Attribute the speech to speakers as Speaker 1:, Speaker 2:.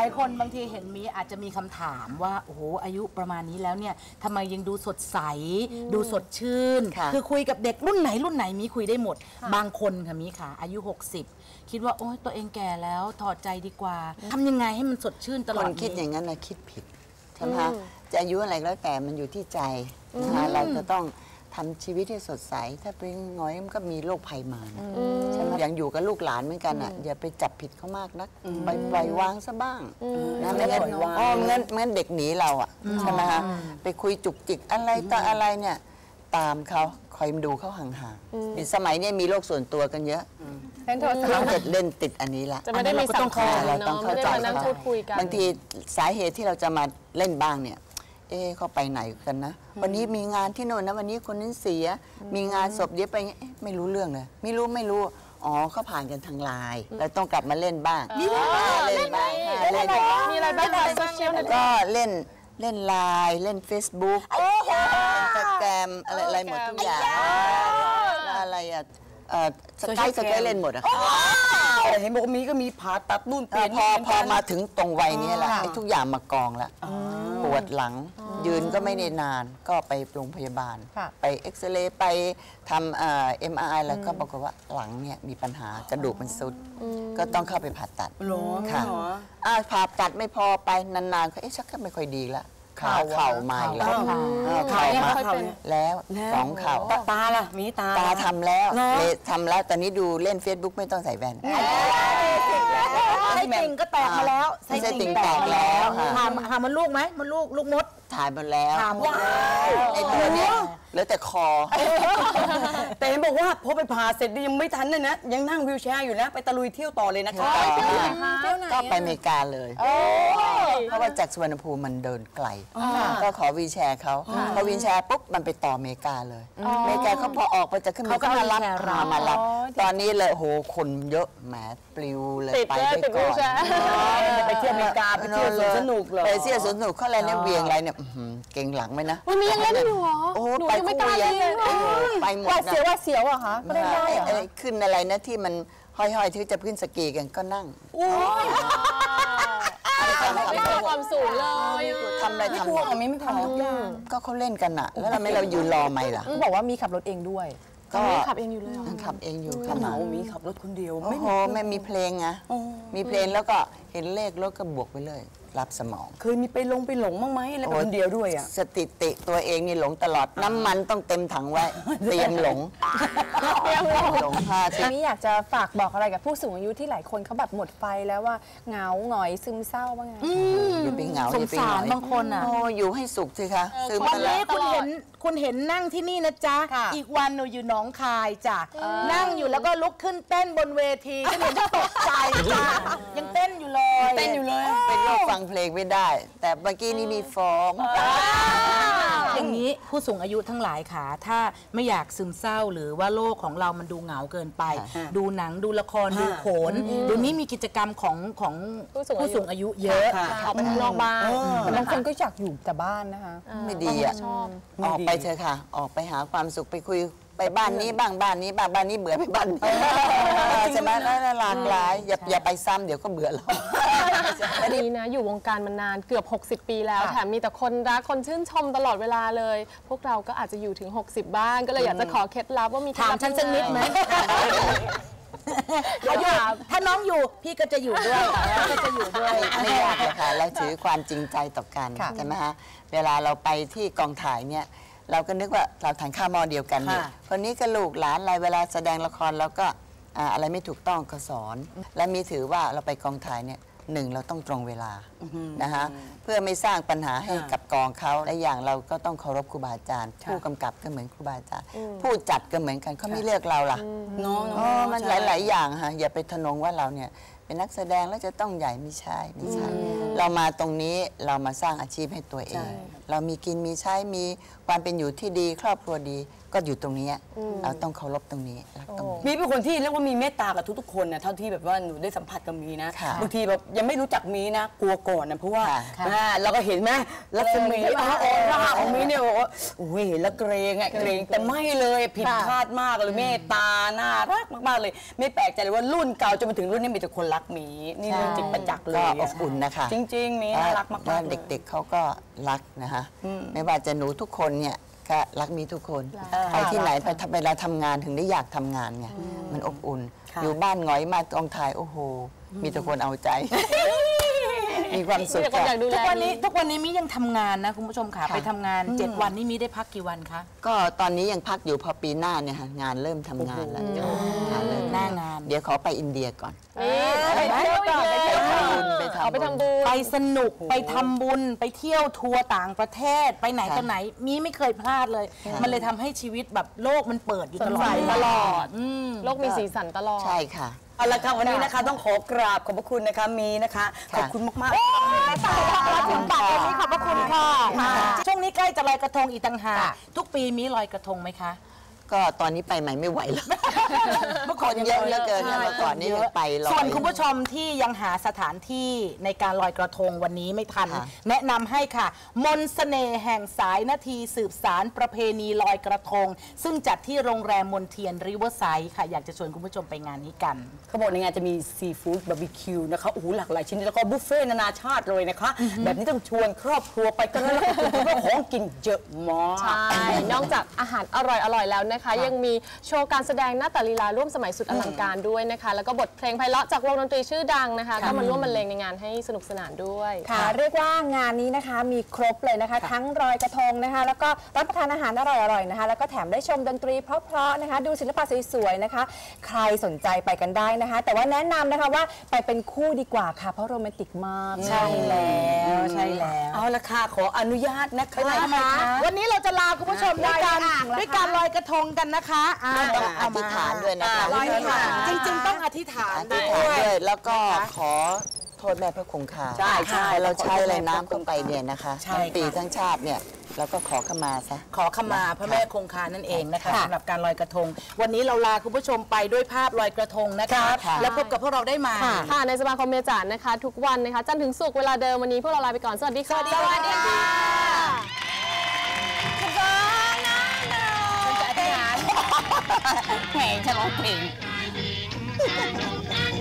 Speaker 1: ลายคนบางทีเห็นมีอาจจะมีคำถามว่าโอ้โหอายุประมาณนี้แล้วเนี่ยทำไมยังดูสดใสดูสดชื่นคือคุยกับเด็กรุ่นไหนมีคุยได้หมดบางคนค่ะมีค่ะอายุ60คิดว่าโอ้ยตัวเองแก่แล้วถอดใจดีกว่าทำยังไงให้มันสดชื่นตลอด
Speaker 2: คนคิดอย่างนั้นนะคิดผิดใช่ไหมคะจะอายุอะไรแล้วแต่มันอยู่ที่ใจนะคะเราจะต้องทำชีวิตให้สดใสถ้าเป็นง้อยมันก็มีโรคภัยมาใช่ไหมอย่างอยู่กับลูกหลานเหมือนกันอ่ะอย่าไปจับผิดเขามากนักไปปล่อยวางซะบ้างนะไม่งั้นงั้นเด็กหนีเราอ่ะใช่ไหมคะไปคุยจุกจิกอะไรต่ออะไรเนี่ยตามเขาคอยดูเขาห่างๆสมัยนี้มีโลกส่วนตัวกันเยอะ
Speaker 3: เล่นโทรศัพท์
Speaker 2: เล่นติดอันนี้ละ
Speaker 3: จะไม่ได้มีสังคม
Speaker 2: เราต้องเข้าใจบางทีสาเหตุที่เราจะมาเล่นบ้างเนี่ยเขาไปไหนกันนะวันนี้มีงานที่โน่นนะวันนี้คนนั้นเสียมีงานศพเดี๋ยวไปไม่รู้เรื่องเลยไม่รู้อ๋อเขาผ่านกันทางไลน์เราต้องกลับมาเล่นบ้างเล่นบ้าง
Speaker 3: มีอะไรบ้างโซเชียล
Speaker 2: ก็เล่นไลน์เล่น Facebook Instagram อะไรหมดทุกอย่างอะไรอะสกายเล่นหมดอะ
Speaker 4: เห็นบอกมีก็มีผ่าตัดนู่นเปลี่ยน
Speaker 2: พอมาถึงตรงวัยนี้แหละทุกอย่างมากองแล้วปวดหลังยืนก็ไม่ได้นานก็ไปโรงพยาบาลไปเอ็กซเรย์ไปทำMRI แล้วก็ปรากฏว่าหลังเนี่ยมีปัญหากระดูกมันซุดก็ต้องเข้าไปผ่าตัดค่ะผ่าตัดไม่พอไปนานๆก็ชักก็ไม่ค่อยดีละเข่าใหม่แล้วเข่ามาแล้ว2 เข่า
Speaker 4: ตาล่ะมีตา
Speaker 2: ทำแล้วตอนนี้ดูเล่น Facebook ไม่ต้องใส่แว่น
Speaker 1: ไส้ติ่งก็แตกมาแล้ว
Speaker 2: ไส้ติ่งแตกแล้ว
Speaker 1: หามันลูกไหมมันลูกมด
Speaker 2: ถ่ายมาแล้วไอ้ตัวเนี้ยแล้วแต่คอ
Speaker 4: แต่เห็นบอกว่าพอไปผ่าเสร็จยังไม่ทันนะยังนั่งวิวแชร์อยู่นะไปตะลุยเที่ยวต่อเลยนะคะ
Speaker 2: ก็ไปอเมริกาเลยเพราะว่าจากสุวรรณภูมิมันเดินไกลก็ขอวีลแชร์เขาพอวีลแชร์ปุ๊บมันไปต่ออเมริกาเลยอเมริกาเขาพอออกไปจะขึ้นเขาก็มารับตอนนี้เลยโหคนเยอะแหมปลิวเลยไปได้ก่อน
Speaker 4: ไปเที่ยวอเมริกาไปเที่ยวสวนสนุกเลย
Speaker 2: ไปเที่ยวสวนสนุกเขาอะไรเนี่ยเวียงอะไรเนี่ยเก่งหลังไหมนะ
Speaker 3: วันนี้ยังเล่นอยู่เหรอ
Speaker 2: โอ้ไปไม่กล้าเลยไปหมดนะ
Speaker 3: ว่าเสียวเหรอคะไม่ได้
Speaker 2: ขึ้นอะไรนะที่มันห้อยๆที่จะขึ้นสกีกันก็นั่ง
Speaker 3: ไม่กลัวความสูงเลย
Speaker 2: ทำอะไรทำ
Speaker 4: ไม่ทำทุกอย่าง
Speaker 2: ก็เขาเล่นกันอะแล้วเรายืนรอไหมล่ะ
Speaker 3: บอกว่ามีขับรถเองด้วยก็ขับเองอยู่เลย
Speaker 2: ขับเองอยู่
Speaker 4: ขนาดมีขับรถคนเดียว
Speaker 2: โอ้โหไม่มีเพลงนะมีเพลงแล้วก็เห็นเลขรถก็บวกไปเลยรับสมอง
Speaker 4: เคยมีไปหลงบ้างไหมแล้วคนเดียวด้วยอ่ะ
Speaker 2: สถิติตัวเองนี่หลงตลอดน้ำมันต้องเต็มถังไว้เตรียมหลง
Speaker 3: นี่อยากจะฝากบอกอะไรกับผู้สูงอายุที่หลายคนเขาแบบหมดไฟแล้วว่าเหงาหงอยซึมเศร้าบ้างไง
Speaker 2: อย่าไปเหงา
Speaker 1: สงสารบางคนอ่ะ
Speaker 2: อยู่ให้สุขสิคะ
Speaker 1: ซึมวันนี้คุณเห็นนั่งที่นี่นะจ๊ะอีกวันหนูอยู่หนองคายจ้ะนั่งอยู่แล้วก็ลุกขึ้นเต้นบนเวทีก็เห็นจะตกใจจ้ะยังเต้นอยู่เลย
Speaker 2: เป็นโรคฟังเพลงไม่ได้แต่เมื่อกี้นี้มีฟ้อง
Speaker 1: อย่างนี้ผู้สูงอายุทั้งหลายค่ะถ้าไม่อยากซึมเศร้าหรือว่าโลกของเรามันดูเหงาเกินไปดูหนังดูละครดูโขนเดี๋ยวนี้มีกิจกรรมของผู้สูงอายุเยอะ
Speaker 3: ออกไปนอกบ้านบางคนก็อยากอยู่แต่บ้านนะคะ
Speaker 2: ไม่ดีอ่ะออกไปเถอะค่ะออกไปหาความสุขไปคุยไปบ้านนี้บ้างบ้านนี้บ้างบ้านนี้เบื่อไปบ้านใช่ไหมน่าหลากหลายอย่าไปซ้ำเดี๋ยวก็เบื่อแล้ว
Speaker 3: ดีนะอยู่วงการมานานเกือบ60 ปีแล้วแถมมีแต่คนรักคนชื่นชมตลอดเวลาเลยพวกเราก็อาจจะอยู่ถึง60บ้างก็เลยอยากจะขอเคล็ดลับว่ามี
Speaker 1: ถามฉันสักนิดไหมถ้าน้องอยู่พี่ก็จะอยู่ด้วย
Speaker 2: ไม่ยากเลยค่ะเราถือความจริงใจต่อกันใช่ไหมคะเวลาเราไปที่กองถ่ายเนี่ยเราก็นึกว่าเราทานข้าวหม้อเดียวกันเนี่ยคนนี้ก็ลูกหลานอะไรเวลาแสดงละครเราก็อะไรไม่ถูกต้องก็สอนและมีถือว่าเราไปกองถ่ายเนี่ย1เราต้องตรงเวลานะคะเพื่อไม่สร้างปัญหาให้กับกองเขาและอย่างเราก็ต้องเคารพครูบาอาจารย์ผู้กำกับก็เหมือนครูบาอาจารย์ผู้จัดก็เหมือนกันเขาไม่เลือกเราล่ะมันหลายๆอย่างค่ะอย่าไปทะนงว่าเราเนี่ยเป็นนักแสดงแล้วจะต้องใหญ่ไม่ใช่เรามาตรงนี้เรามาสร้างอาชีพให้ตัวเองเรามีกินมีใช้มีควความเป็นอยู่ที่ดีครอบครัวดีก็อยู่ตรงนี้เราต้องเคารพตรงนี้รักตรงนี้
Speaker 4: มีเป็นคนที่เรียกว่ามีเมตตากับทุกๆคนนะเท่าที่แบบว่าหนูได้สัมผัสกับมีนะ
Speaker 2: ค่ะ
Speaker 4: บางทีแบบยังไม่รู้จักมีนะกลัวก่อนนะเพราะว่า
Speaker 2: ค่ะ
Speaker 4: เราก็เห็นไหมลักษมีออร่าของมีเนี่ยบอกว่าโอ้ยเห็นแล้วเกรงอะเกรงแต่ไม่เลยผิดคาดมากเลยเมตตาน่ารักมากๆเลย ไม่แปลกใจเลยว่ารุ่นเก่าจนมาถึงรุ่นนี้มีแต่คนรักมีนี่เรื่องจริงประจักษ์เล
Speaker 2: ก็
Speaker 4: ย
Speaker 2: อบอุ่นนะคะ
Speaker 4: จริงๆมีน่ารักมากๆ
Speaker 2: แล้ว
Speaker 4: เลย
Speaker 2: เด็กๆเขาก็รักนะคะไม่ว่าจะหนูทุกคนเนี่ยก็รักมีทุกคนไปที่ไหนไปเวลาทำงานถึงได้อยากทำงานไงมันอบอุ่น
Speaker 4: ค่ะ
Speaker 2: อยู่บ้านหงอยมากองถ่ายโอ้โห มีแต่คนเอาใจ มีความสุข
Speaker 3: มีแต่คนอยากดูแล
Speaker 1: ทุกวันนี้มิยังทำงานนะคุณผู้ชมค่ะไปทำงาน 7 วันนี่มิได้พักกี่วันคะ
Speaker 2: ก็ตอนนี้ยังพักอยู่พอปีหน้าเนี่ยค่ะงานเริ่มทำงานแล้วงานเริ่ม
Speaker 1: หน้างาน
Speaker 2: เดี๋ยวขอไปอินเดียก่อน
Speaker 3: นี่ไปเที่ยวก่อนไปเที่ยวก่อน
Speaker 2: ไปทำบุญ
Speaker 3: เอาไปทำบุญ
Speaker 1: ไปสนุกไปทำบุญไปเที่ยวทัวร์ต่างประเทศไปไหนต่อไหนมีไม่เคยพลาดเลย มันเลยทำให้ชีวิตแบบโลกมันเปิดอยู่ตลอด
Speaker 3: สดใส
Speaker 1: เว
Speaker 3: ตลอด
Speaker 1: อืม
Speaker 3: โลกมีสีสันตลอด
Speaker 2: ใช่ค่ะ
Speaker 4: เอาละค่ะวันนี้นะคะต้องขอกราบขอบพระคุณนะคะมีนะคะขอบคุณมากๆ
Speaker 1: ถึงปัดวันนี้ขอบพระคุณค่ะช่วงนี้ใกล้จะลอยกระทงอีกต่างหากทุกปีมีลอยกระทงไหมคะ
Speaker 2: ก็ตอนนี้ไปใหม่ไม่ไหวแล้ว
Speaker 1: เมื่อก่อน
Speaker 2: คนเยอะเหลือเกินนะเมื่อก่อนนี่ยังไปลอย
Speaker 1: ส่วนคุณผู้ชมที่ยังหาสถานที่ในการลอยกระทงวันนี้ไม่ทัน
Speaker 2: ค่ะ
Speaker 1: แนะนำให้ค่ะ มนต์เสน่ห์แห่งสายนาทีสืบสารประเพณีลอยกระทง ซึ่งจัดที่โรงแรมมนเทียนริเวอร์ไซด์ค่ะ อยากจะชวนคุณผู้ชมไปงานนี้กัน
Speaker 4: เขาบอกในงานจะมีซีฟู้ดบาร์บีคิวนะคะโอ้โหหลากหลายชิ้นแล้วก็บุฟเฟ่ต์นานาชาติเลยนะคะ แบบนี้ต้องชวนครอบครัวไปกันแล้วเพราะว่าของกินเยอะมาก
Speaker 3: ใช่ นอกจากอาหารอร่อยๆแล้วนะคะ ยังมีโชว์การแสดงหน้าตาลีลาร่วมสมัยสุดอลังการด้วยนะคะ แล้วก็บทเพลงไพเราะจากวงดนตรีชื่อดังนะคะ ก็มาร่วมบรรเลงในงานให้สนุกสนานด้วย
Speaker 5: ค่ะเรียกว่างานนี้นะคะมีครบเลยนะคะ ทั้งลอยกระทงนะคะ แล้วก็รับประทานอาหารอร่อยๆนะคะ แล้วก็แถมได้ชมดนตรีเพราะๆนะคะ ดูศิลปะสวยๆนะคะ ใครสนใจไปกันได้นะคะ แต่ว่าแนะนำนะคะว่าไปเป็นคู่ดีกว่าค่ะ เพราะโรแมนติกมาก
Speaker 1: ใช่แล้วใช่แล้ว
Speaker 4: เอาละค่ะขออนุญาตนะคะ
Speaker 1: วันนี้เราจะลาคุณผู้ชมด้วยการลอยกระทงกันนะคะ
Speaker 2: ต้องอธิษฐานด้วยนะคะ
Speaker 1: ลอยกระทงจริงๆต้องอธิษฐาน
Speaker 2: อธิษฐานด้วยแล้วก็ขอโทษแม่พระคงคา
Speaker 4: ใช่ใช่
Speaker 2: เราใช้อะไรน้ำเข้าไปเนี่ยนะคะ
Speaker 1: ใช่
Speaker 2: ทั้งปี
Speaker 1: ค่ะ
Speaker 2: ทั้งชาติเนี่ยเราก็ขอขมาซะ
Speaker 1: ขอขมาพระแม่คงคานั่นเองนะคะ
Speaker 2: ค่ะ
Speaker 1: สำหรับการลอยกระทง วันนี้เราลาคุณผู้ชมไปด้วยภาพลอยกระทงนะคะ
Speaker 2: ค่ะ
Speaker 1: แล้วพบกับพวกเราได้ใหมา
Speaker 3: ค่ะ ในสมาคมเมจานนะคะ ทุกวันนะคะ จันทร์ถึงศุกร์เวลาเดิมวันนี้พวกเราลาไปก่อน สวัสดีค่ะ
Speaker 1: สวัสดีค่ะ
Speaker 4: แหมฉลองเพลง